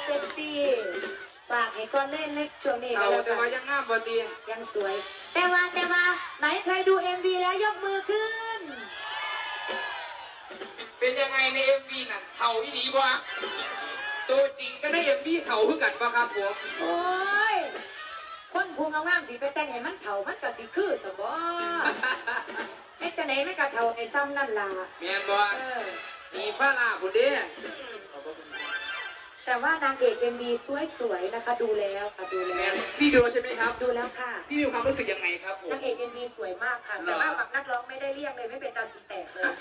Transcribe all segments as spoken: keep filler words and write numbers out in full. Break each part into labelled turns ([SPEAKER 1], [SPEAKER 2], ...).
[SPEAKER 1] เซ็กซี่ฝากให้ก้อนเล่นเล็กช่วงนี้
[SPEAKER 2] เรา
[SPEAKER 1] ก็แล้ว
[SPEAKER 2] แต่
[SPEAKER 1] กั
[SPEAKER 2] ว่าน ยังงามพอดี
[SPEAKER 1] ยังสวย แต่ว่าแต่ว่าไหนใครดูเอ็มวีแล้วยกมือขึ้น
[SPEAKER 2] เป็นยังไงในเอ็มวีนั่นเขาอีหลีบ่ตัวจริงก็ได้เอ็มวีเขาคือกันป่ะครับผม
[SPEAKER 1] โอ้ยคนภูมิงามสิไปแต่งให้มันเถ่ามันก็สิคือสบอไอ้จะไหนไม่กะเถ่าไอ้ซ้ำนั่นล่ะ
[SPEAKER 2] แม่นบ่
[SPEAKER 1] เออ
[SPEAKER 2] นี่ฟ้าลาบุเด้
[SPEAKER 1] แต่ว่านางเอกเอ็มวีสวยๆนะคะ ดูแล้วค่ะดู
[SPEAKER 2] แม่
[SPEAKER 1] แล้ว
[SPEAKER 2] นพี่ดูใช่ไหมครับ
[SPEAKER 1] ดูแล้วค่ะ
[SPEAKER 2] พี่มีความรู้สึกยังไงครับผม
[SPEAKER 1] นางเอกเอ็มวีสวยมากค่ะ แต่ว่าแบบนักร้องไม่ได้เรียกเลยไม่เป็นตาสีแตกเลย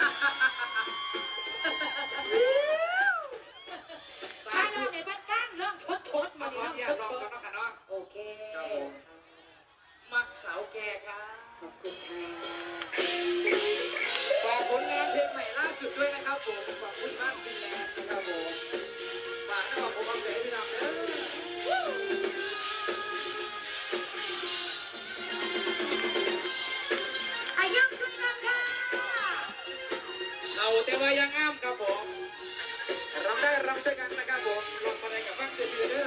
[SPEAKER 1] ถ้าเราในบ้านก้างร้องชดชดๆมา
[SPEAKER 2] มา
[SPEAKER 1] ดิ
[SPEAKER 2] ขอ
[SPEAKER 1] ร้อง
[SPEAKER 2] อนุ
[SPEAKER 1] ช
[SPEAKER 2] ญาต
[SPEAKER 1] ด ชด
[SPEAKER 2] ลองกันเนาะค่ะเนาะ
[SPEAKER 1] โอเค
[SPEAKER 2] ครับผมมักสาวแก่ครับ
[SPEAKER 1] ขอบคุณค่ะ
[SPEAKER 2] ฝากผลงานเพลงใหม่ล่าสุดด้วยนะครับผมขอบคุณมากฟินแลนด์นะครับผมฝากให้กับผมเอาใจพี่น้องเด้อ
[SPEAKER 1] อายุชุดกันค่ะ
[SPEAKER 2] เราแต่ว่ายังงามครับผมรำได้รำช่วยกันนะครับผมลงมาในกับฟังเสียเด้อ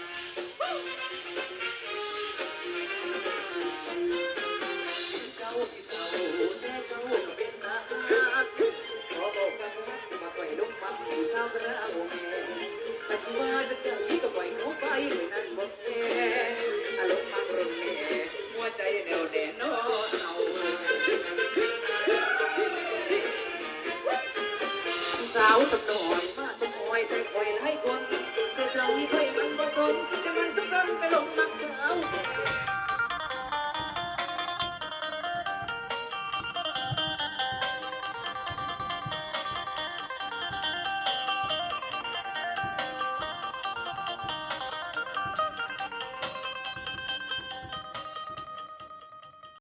[SPEAKER 2] เจ้าสิเจ้าแม่เจ้าเป็นทหารขอบอกกันมาปล่อยลูกฟังผู้สาวกระ